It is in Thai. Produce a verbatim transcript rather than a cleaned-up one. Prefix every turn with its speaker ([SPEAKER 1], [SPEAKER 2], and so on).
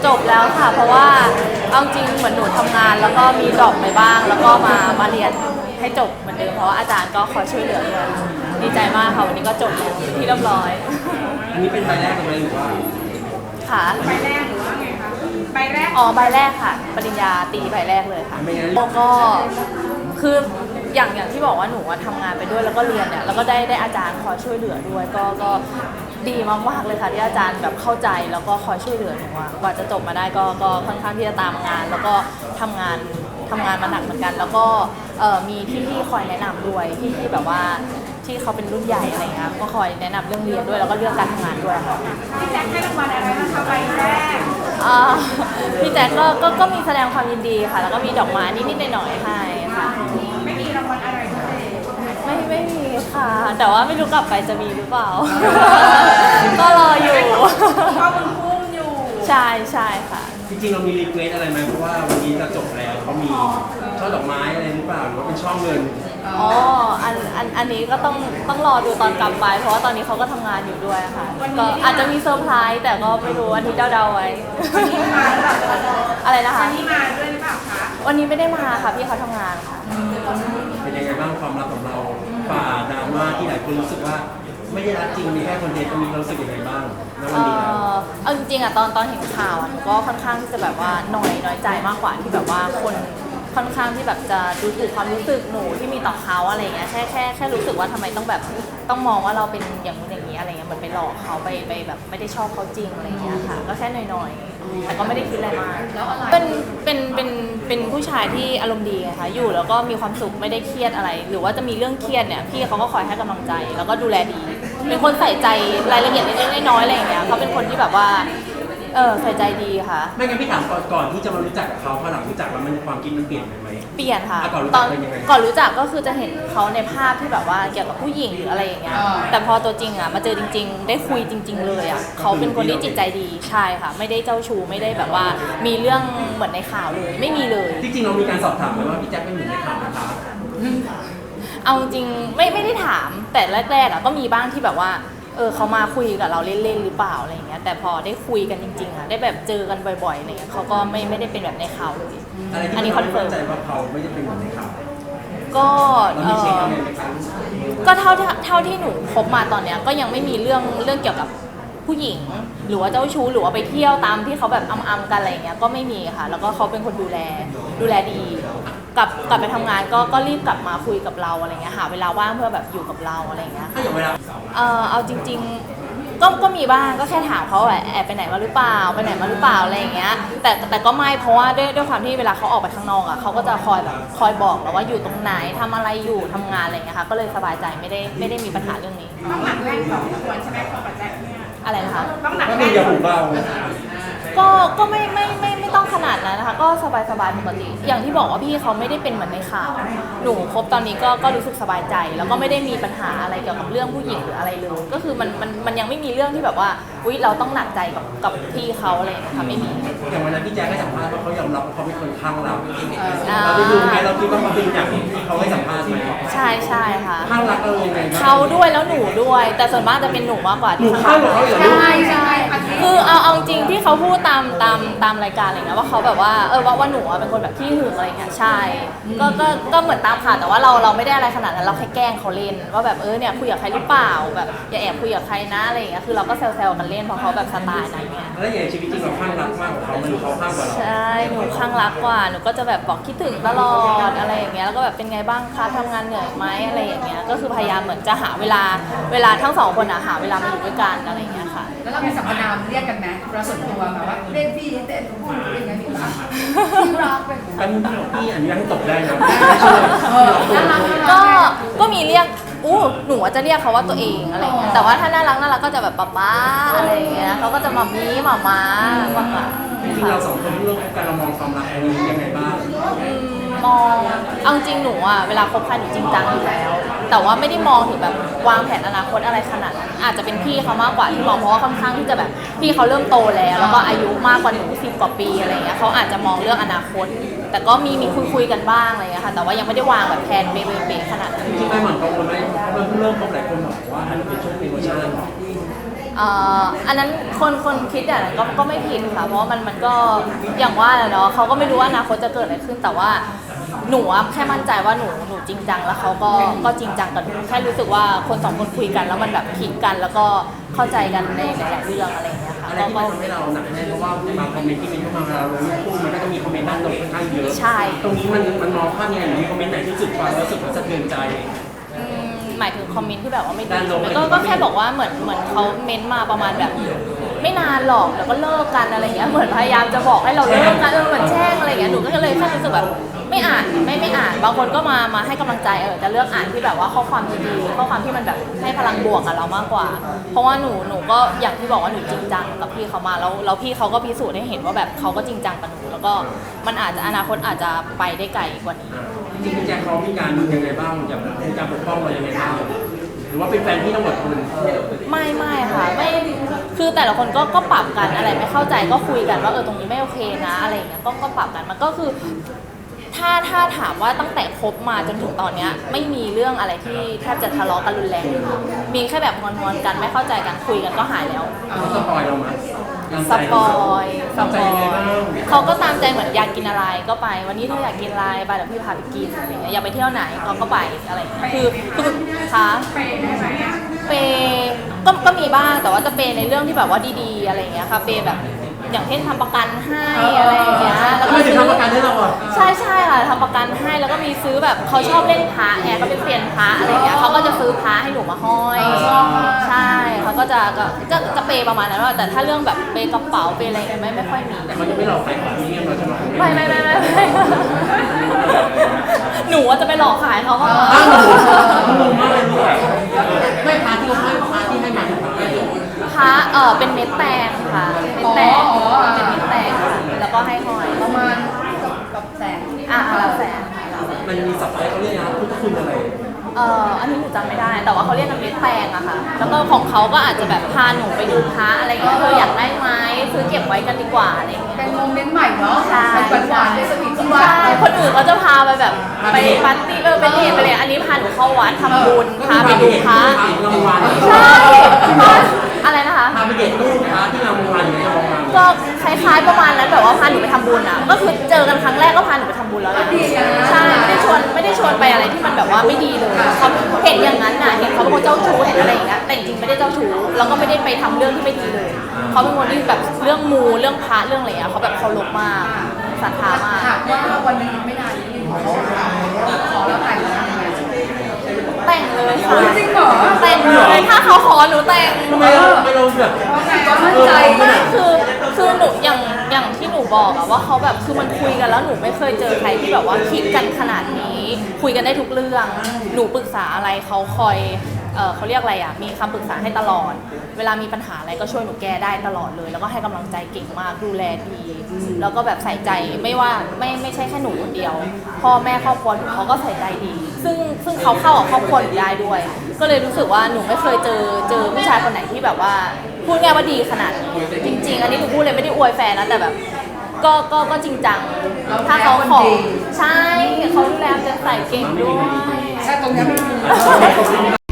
[SPEAKER 1] จบแล้วค่ะเพราะว่าเอาจริงเหมือนหนูทำงานแล้วก็มีดรอปไปบ้างแล้วก็มามาเรียนให้จบเหมือนเดิมเพราะว่าอาจารย์ก็คอยช่วยเหลือด้วยดีใจมากค่ะวันนี้ก็จบแล้วที่เรียบร้อย
[SPEAKER 2] อันนี้เป็นใบแรกไหมหรือว่า
[SPEAKER 1] ค่ะ
[SPEAKER 3] ใบแรกหรือว่าไงคะใบแรก
[SPEAKER 1] อ๋อใบแรกค่ะปริญญาตรีใบแรกเลยค่ะแล้วก็คืออย่างอย่างที่บอกว่าหนูทำงานไปด้วยแล้วก็เรียนเนี่ยแล้วก็ได้ได้อาจารย์คอยช่วยเหลือด้วยก็ก็ดีมากๆเลยค่ะที่อาจารย์แบบเข้าใจแล้วก็คอยช่วยเหลือหนูกว่าจะจบมาได้ก็ก็ค่อนข้างที่จะตามงาน แล้วก็ทำงานทำงานมาหนักเหมือนกัน แล้วก็มีพี่ๆคอยแนะนำด้วยพี่ๆแบบว่าที่เขาเป็นรุ่นใหญ่อะไรเงี้ยก็คอยแนะนำเรื่องเรียนด้วยแล้วก็เรื่องการทำงานด้วยค่ะ
[SPEAKER 3] พี่แจ็คให้รางวัลอะไรบ้างคะใบแรก
[SPEAKER 1] พี่แจ็คก็ก็ก็มีแสดงความยินดีค่ะแล้วก็มีดอกไม้นิดๆหน่อยๆให้ค่ะ
[SPEAKER 3] ไม่มีรางวัลอะไรเลย
[SPEAKER 1] ไม่ไม่มีค่ะแต่ว่าไม่รู้กลับไปจะมีหรือเปล่าก็รออยู่
[SPEAKER 3] ก็มึงพุ่งอยู่
[SPEAKER 1] ใช่ใช่ค่ะ
[SPEAKER 2] จริงๆเรามีรีเควสอะไรไหมเพราะว่าวันนี้จะจบแล้วเขามีช่อดอกไม้อะไรหรือเปล่าหรือว่าเป็นช่อเงิน
[SPEAKER 1] อ๋ออันอันอันนี้ก็ต้องต้องรอดูตอนกลับไปเพราะว่าตอนนี้เขาก็ทำงานอยู่ด้วยค่ะก็อาจจะมีเซอร์ไพรส์แต่ก็ไม่รู้วันนี้เดาๆไว้อะไรนะคะ
[SPEAKER 3] วันนี้มาด้วยหรือเปล่าคะ
[SPEAKER 1] วันนี้ไม่ได้มาค่ะพี่เขาทำงานค่ะ
[SPEAKER 2] เป็นยังไงบ้างความรักของเราฝ่าดราม่าที่หลายคนรู้สึกว่าไม่ได้รักจริงมีแค่คนเดียวตรงนี้เรารู้สึกยังไงบ้างณวันนี้แล้ว
[SPEAKER 1] เอาจริงๆอะตอนตอนเห็นข่าวอะหนูก็ค่อนข้างที่จะแบบว่าหน่อยน้อยใจมากกว่าที่แบบว่าคนค่อนข้างที่แบบจะดูถูกความรู้สึกหนูที่มีต่อเขาอะไรเงี้ยแค่แค่แค่รู้สึกว่าทำไมต้องแบบต้องมองว่าเราเป็นอย่างนู้นอย่างนี้อะไรเงี้ยเหมือนไปหลอกเขาไปไปแบบไม่ได้ชอบเขาจริงอะไรเงี้ยค่ะก็แค่หน่อยๆแต่ก็ไม่ได้คิดอะไรมากเป็นเป็นเป็นเป็นผู้ชายที่อารมณ์ดีไงคะอยู่แล้วก็มีความสุขไม่ได้เครียดอะไร หรือว่าจะมีเรื่องเครียดเนี่ยพี่เขาก็คอยให้กำลังใจแล้วก็ดูแลดีเป็นคนใส่ใจรายละเอียดเล็กๆน้อยๆอะไรอย่างเงี้ยเขาเป็นคนที่แบบว่าเออใส่ใจดีค่ะ
[SPEAKER 2] ไม่งั้นพี่ถามก่อนก่อนที่จะมารู้จักกับเขาพอหลังรู้จักแล้วมันความคิดมันเปลี่ยนไปไหม
[SPEAKER 1] เปลี่ยนค่ะ
[SPEAKER 2] ตอน
[SPEAKER 1] ก่อนรู้จักก็คือจะเห็นเขาในภาพที่แบบว่าเกี่ยวกับผู้หญิงหรืออะไรอย่างเงี้ยแต่พอตัวจริงอ่ะมาเจอจริงๆได้คุยจริงๆเลยอ่ะเขาเป็นคนที่จิตใจดีใช่ค่ะไม่ได้เจ้าชู้ไม่ได้แบบว่ามีเรื่องเหมือนในข่าวเลยไม่มีเลย
[SPEAKER 2] จริงๆเรามีการสอบถามไหมว่าพี่แจ็คเป็นหนึ่งในข่าวนะคะ
[SPEAKER 1] เอาจริงไม่ไม่ได้ถามแต่แรกๆอ่ะก็มีบ้างที่แบบว่าเออเขามาคุยกับเราเล่นๆหรือเปล่าอะไรอย่างเงี้ยแต่พอได้คุยกันจริงๆอ่ะได้แบบเจอกันบ่อยๆอะไรเงี้ยเขาก็ไม่ไม่ได้เป็นแบบในข่าวเลย
[SPEAKER 2] อันนี้คอนเฟิร์มใจว่าเขาไม่ได้เป็นแบบในข่าว
[SPEAKER 1] ก็ก็เท่าเท่าที่หนูคบมาตอนเนี้ยก็ยังไม่มีเรื่องเรื่องเกี่ยวกับผู้หญิงหรือว่าเจ้าชู้หรือว่าไปเที่ยวตามที่เขาแบบอำๆกันอะไรเงี้ยก็ไม่มีค่ะแล้วก็เขาเป็นคนดูแลดูแลดีกลับกลับไปทำงานก็ก็รีบกลับมาคุยกับเราอะไรเงี้ยหาเวลาว่างเพื่อแบบอยู่กับเราอะไรเงี้ย
[SPEAKER 2] ถ้าอย่างเวลา
[SPEAKER 1] เออเอาจริงๆก็ก็มีบ้างก็แค่ถามเขาแอบแอบไปไหนมาหรือเปล่าไปไหนมาหรือเปล่าอะไรอย่างเงี้ยแต่แต่ก็ไม่เพราะว่าด้วยด้วยความที่เวลาเขาออกไปข้างนอกอ่ะเขาก็จะคอยแบบคอยบอกเราว่าอยู่ตรงไหนทำอะไรอยู่ทำงานอะไรเงี้ยค่ะก็เลยสบายใจไม่ได้ไม่ได้มีปัญหาเรื่องนี้
[SPEAKER 3] ต้องหนักแน่นสองส่วนใช่ไหมของปัจจัยเนี่ย
[SPEAKER 1] อะไรนะคะ
[SPEAKER 3] ต้องหนัก
[SPEAKER 2] แน่
[SPEAKER 3] น
[SPEAKER 2] อย่าหูเบา
[SPEAKER 1] ก็ก็ไม่ไม่ไม่ไม่ต้องขนาดนั้นนะคะก็สบายสบายปกติอย่างที่บอกว่าพี่เขาไม่ได้เป็นเหมือนในข่าวหนูคบตอนนี้ก็ก็รู้สึกสบายใจแล้วก็ไม่ได้มีปัญหาอะไรเกี่ยวกับเรื่องผู้หญิงหรืออะไรเลยก็คือมันมันมันยังไม่มีเรื่องที่แบบว่าอุ๊ยเราต้องหนักใจกับกับพี่เขาอะไรนะคะไม่มี
[SPEAKER 2] อย่างวันนั้นพี่แจ๊คให้สัมภาษณ์ว่าเขายอมรับว่าเขาเป็นคนข้างเราเราได้ดูไหมเราคิดว่าเขาเป็นอย่างที่เขาให้สัมภาษณ์ไหม
[SPEAKER 1] ใช่ใช่ค่ะ
[SPEAKER 2] ข้างรักเรายังไง
[SPEAKER 1] เขาด้วยแล้วหนูด้วยแต่ส่วนมากจะเป็นหนูมากกว่า
[SPEAKER 2] ที่ข้างเขา
[SPEAKER 1] ใช่ใช่คือเอาเอาจริงที่เขาพูดตามตามตามรายการอะไรเงี้ยว่าเขาแบบว่าเออว่าว่าหนูเป็นคนแบบขี้หึงอะไรเงี้ยใช่ก็ก็ก็เหมือนตามข่าวแต่ว่าเราเราไม่ได้อะไรขนาดนั้นเราแค่แกล้งเขาเล่นว่าแบบเออเนี่ยคุยกับใครหรือเปล่าแบบอย่าแอบคุยกับใครนะอะไรเงี้ยคือเราก็แซวๆกันเล่นเพราะเขาแบบสไตล์นั้นเนี่ย
[SPEAKER 2] แล้วอย่างชีวิตจริงเราข้างรักมากกว่าเขามันเขาข้างกว่าเรา
[SPEAKER 1] ใช่หนูข้างรักกว่าหนูก็จะแบบบอกคิดถึงตลอดอะไรอย่างเงี้ยแล้วก็แบบเป็นไงบ้างคะทำงานเหนื่อยไหมอะไรอย่างเงี้ยก็คือพยายามเหมือนจะหาเวลาเวลาทั้งสองคนอะหาเวลามาอยู่ด้วยกันอะไรอย่างเงี้ยค่ะ
[SPEAKER 3] แล้วเรามีสรรพนามเรียกกันไหมเราส่วนตัวแบบว่าเรียกพี่เต้นพูดเป็นไงพี่รักพี่รักเป็น
[SPEAKER 2] กันพี่อนุญาตให้ตบได้นะ
[SPEAKER 1] ก็ก็มีเรียกอู้หนูจะเรียกเขาว่าตัวเองอะไรเงี้ยแต่ว่าถ้าน่ารักน่ารักก็จะแบบป๊าป๊าอะไรเงี้ยเขาก็จะมามีหมาม้ามากกว่า
[SPEAKER 2] จริงๆเราสองคนเรื่องการเรามองความรักอันนี้ยังไงบ้าง
[SPEAKER 1] มองเอาจริงหนูอ่ะเวลาคบใครหนูจริงจังอยู่แล้วแต่ว่าไม่ได้มองถึงแบบวางแผนอนาคตอะไรขนาดนั้นอาจจะเป็นพี่เขามากกว่าที่มองเพราะว่าค่อนข้างที่จะแบบพี่เขาเริ่มโตแล้วแล้วก็อายุมากกว่าหนูสิบกว่าปีอะไรเงี้ยเขาอาจจะมองเรื่องอนาคตแต่ก็มีมีคุยคุยกันบ้างอะไรเงี้ยค่ะแต่ว่ายังไม่ได้วางแบบแผนเป๊ะๆขนาดนั้น
[SPEAKER 2] จริงๆไม่เหมือนกังวลไหมเพราะมันเพิ่งเริ่มคบหลายคนบอกว่าอันนี้เป็นช่วงเป็นเวอร์ชัน
[SPEAKER 1] เอ่ออันนั้นคนคนคิดอย่างนั้นก็ก็ไม่ผิดค่ะเพราะว่ามันมันก็อย่างว่าแหละเนาะเขาก็ไม่รู้ว่าอนาคตจะเกิดอะไรขึ้นแต่ว่าหนูอะแค่มั่นใจว่าหนูหนูจริงจังแล้วเขาก็ก็จริงจังกับหนูแค่รู้สึกว่าคนสองคนคุยกันแล้วมันแบบคลิกกัน แล้วก็เข้าใจกันในหลายๆเรื่องอะไรอย่างเงี้ยค่ะ
[SPEAKER 2] อะไรที่มันทำให้เราหนักแน่นเพราะว่าบางคอมเมนต์ที่มีเข้ามาเวลาเราลงรูปคู่มันก็จะมีคอมเมนต์ด้านลบค่อนข้างเยอะ
[SPEAKER 1] ใช่
[SPEAKER 2] ตรงนี้มันมันมองภาพยังไงหรือมีคอมเมนต์ไหนที่รู้สึกฟังแล้วรู้สึกว่าสะเทือนใจ
[SPEAKER 1] อืมหมายถึงคอมเมนต์ที่แบบว่าไม่ดี
[SPEAKER 2] ด้านลบ
[SPEAKER 1] ก็ก็แค่บอกว่าเหมือนเหมือนเขาเม้นต์มาประมาณแบบ ไม่นานหรอกแล้วก็เลิกกันอะไรเงี้ยเหมือนพยายามจะบอกให้เราเลิกกันเออเหมือนแช่งอะไรเงี้ยหนูก็เลยแค่รู้สึกแบบไม่อ่านไม่ไม่อ่านบางคนก็มามาให้กำลังใจเออจะเลือกอ่านที่แบบว่าข้อความดีๆข้อความที่มันแบบให้พลังบวกกับเรามากกว่า เพราะว่าหนูหนูก็อย่างที่บอกว่าหนูจริงจังกับพี่เขามาแล้วแล้วพี่เขาก็พิสูจน์ให้เห็นว่าแบบเขาก็จริงจังกับหนูแล้วก็มันอาจจะอนาคตอาจจะไปได้ไกลกว่านี้
[SPEAKER 2] จริงๆพี่แจ็คเขามีการยังไงบ้างอย่างมีการปกป้องเรายังไงบ้างหรือว่าเป็นแฟนพี่ทั้งหมดคน
[SPEAKER 1] ไม่ไม่ค่ะไม่คือแต่ละคนก็ก็ปรับกันอะไรไม่เข้าใจก็คุยกันว่าเออตรงนี้ไม่โอเคนะอะไรอย่างเงี้ยก็ก็ปรับกันมันก็คือ ถ้าถ้าถามว่าตั้งแต่คบมาจนถึงตอนเนี้ยไม่มีเรื่องอะไรที่แทบจะทะเลาะกันรุนแรงเลยค่ะมีแค่แบบงอนๆกันไม่เข้าใจกันคุยกันก็หายแล้ว
[SPEAKER 2] เขาสปอยเราไหม
[SPEAKER 1] สปอยส
[SPEAKER 2] ตาม
[SPEAKER 1] ป
[SPEAKER 2] ใจ
[SPEAKER 1] อ
[SPEAKER 2] ยังไง
[SPEAKER 1] ย
[SPEAKER 2] บ้าง
[SPEAKER 1] เขาก็ตามใจเหมือนอยากกินอะไรก็ไป วันนี้เธออยากกินอะไรไปเดี๋ยวพี่พาไปกินอะไรเงี้ยอยากไปเที่ยวไหนเขาก็ไปอะไรเงี้ยคือคือคะ
[SPEAKER 3] ไปได้ไหมอะ
[SPEAKER 1] เปย์ก็ก็มีบ้างแต่ว่าจะเปย์ในเรื่องที่แบบว่าดีๆอะไรเงี้ยค่ะเปย์แบบอย่างเช่นทำประกันให้อะไรอย่างเงี้ยแล้วก็
[SPEAKER 2] ไม่ถึง
[SPEAKER 1] ซื้อ
[SPEAKER 2] ทำประกันให้เราอ่ะ
[SPEAKER 1] ใช่ใช่ค่ะทำประกันให้แล้วก็มีซื้อแบบเขาชอบเล่นพระไงเขาเป็นเซียนพระอะไรเงี้ยเขาก็จะซื้อพระให้หนูมาห้อยใช่เขาก็จะก็ก็จะเปย์ประมาณนั้นว่าแต่ถ้าเรื่องแบบเปย์กระเป๋าเปย์อะไรเงี้ยไม่ไม่ค่อยมี
[SPEAKER 2] แต่เขาจะไม่หลอกขายของนี่เราจะหลอก
[SPEAKER 1] ไม่ไม่ไม่ไม่ไม่หนูว่าจะไปหลอกขายเขามากกว่า
[SPEAKER 2] อ้าวงงมากเลยลูกไม่พาที่เขาให้พาที่ให้มาถึงพาที่
[SPEAKER 1] พระเออเป็นเม็ดแตงค่ะเม็ดแตงเป็นเม็ดแตงค่ะแล้วก็ให้ห้อย
[SPEAKER 3] ประมาณกับแสน
[SPEAKER 1] อ่ะแล้วแสน
[SPEAKER 2] มันมีสับไซเขาเรียกนะพุทธคุณอะไร
[SPEAKER 1] เอ่ออันนี้หนูจำไม่ได้ แต่ว่าเขาเรียกกันเม็ดแตงอะค่ะ แล้วก็ของเขาก็อาจจะแบบพาหนูไปดูพระอะไรเงี้ยเธออยากได้ไหมซื้อเก็บไว้กันดีกว่าอะไรเงี้ย
[SPEAKER 3] เป็นโมเมนต์ใหม่เนาะ
[SPEAKER 1] ใช่
[SPEAKER 3] เป็นหวานๆเป็นสวีทที่ว่า
[SPEAKER 1] ใช่คนอื่นเขาจะพาไปแบบไปปาร์ตี้เออไปเดทไปเลยอันนี้พาหนูเข้าวัดทำบุญพาไปดูพระ
[SPEAKER 2] รางวัล
[SPEAKER 1] ใช่อะไรนะคะ
[SPEAKER 2] พาไปเด็ดตู้พระที่รางวัลอย่างเงี้ยรางวัล
[SPEAKER 1] ก็คล้ายๆประมาณนั้นแบบว่าพาหนูไปทำบุญอ่ะ ก็คือเจอกันครั้งแรกก็พาหนูไปทำบุญแล้วนะใช่ไม่ได้ชวนไม่ได้ชวนไปอะไรที่มันแบบว่าไม่ดีเลยเขาเห็นอย่างนั้นน่ะเห็นเขาเป็นคนเจ้าชู้เห็นอะไรอย่างเงี้ยแต่จริงๆไม่ได้เจ้าชู้แล้วก็ไม่ได้ไปทำเรื่องที่ไม่ดีเลยเขาเป็นคนที่แบบเรื่องมูเรื่องพระเรื่องอะไรอ่ะเขาแบบเคารพมากศรัทธามาก
[SPEAKER 3] หากว่าวันนี้ไม่นานนี้เขาขอแล้วแต่งงานไหม
[SPEAKER 1] แต่งเลยค่ะ
[SPEAKER 3] จริงเหรอ
[SPEAKER 1] แต่งเลยถ้าเขาขอหนูแต่ง
[SPEAKER 2] ทำไมเราไม่เราแบบ
[SPEAKER 3] เพราะไงก็มั่นใจ
[SPEAKER 1] ไม่คือคือหนูอย่างอย่างที่หนูบอกอะว่าเขาแบบคือมันคุยกันแล้วหนูไม่เคยเจอใครที่แบบว่าคิดกันขนาดนี้ คุยกันได้ทุกเรื่อง หนูปรึกษาอะไรเขาคอยเออเขาเรียกอะไรอะมีคำปรึกษาให้ตลอด เวลามีปัญหาอะไรก็ช่วยหนูแก้ได้ตลอดเลย แล้วก็ให้กำลังใจเก่งมากดูแลดีแล้วก็แบบใส่ใจไม่ว่าไม่ไม่ใช่แค่หนูคนเดียว พ่อแม่ครอบครัวหนูเขาก็ใส่ใจดี ซึ่งซึ่งเขาเข้ากับครอบครัวหนูได้ด้วย ก็เลยรู้สึกว่าหนูไม่เคยเจอเจอผู้ชายคนไหนที่แบบว่าพูดง่ายว่าดีขนาดนี้จริง ๆ อันนี้หนูพูดเลยไม่ได้อวยแฟนนะแต่แบบ ก็ก็ก็จริงจังถ้าเขาขอใช่เขาดูแลจะใส่เก่งด้วย
[SPEAKER 3] แค่ตรงนี้ไม่มี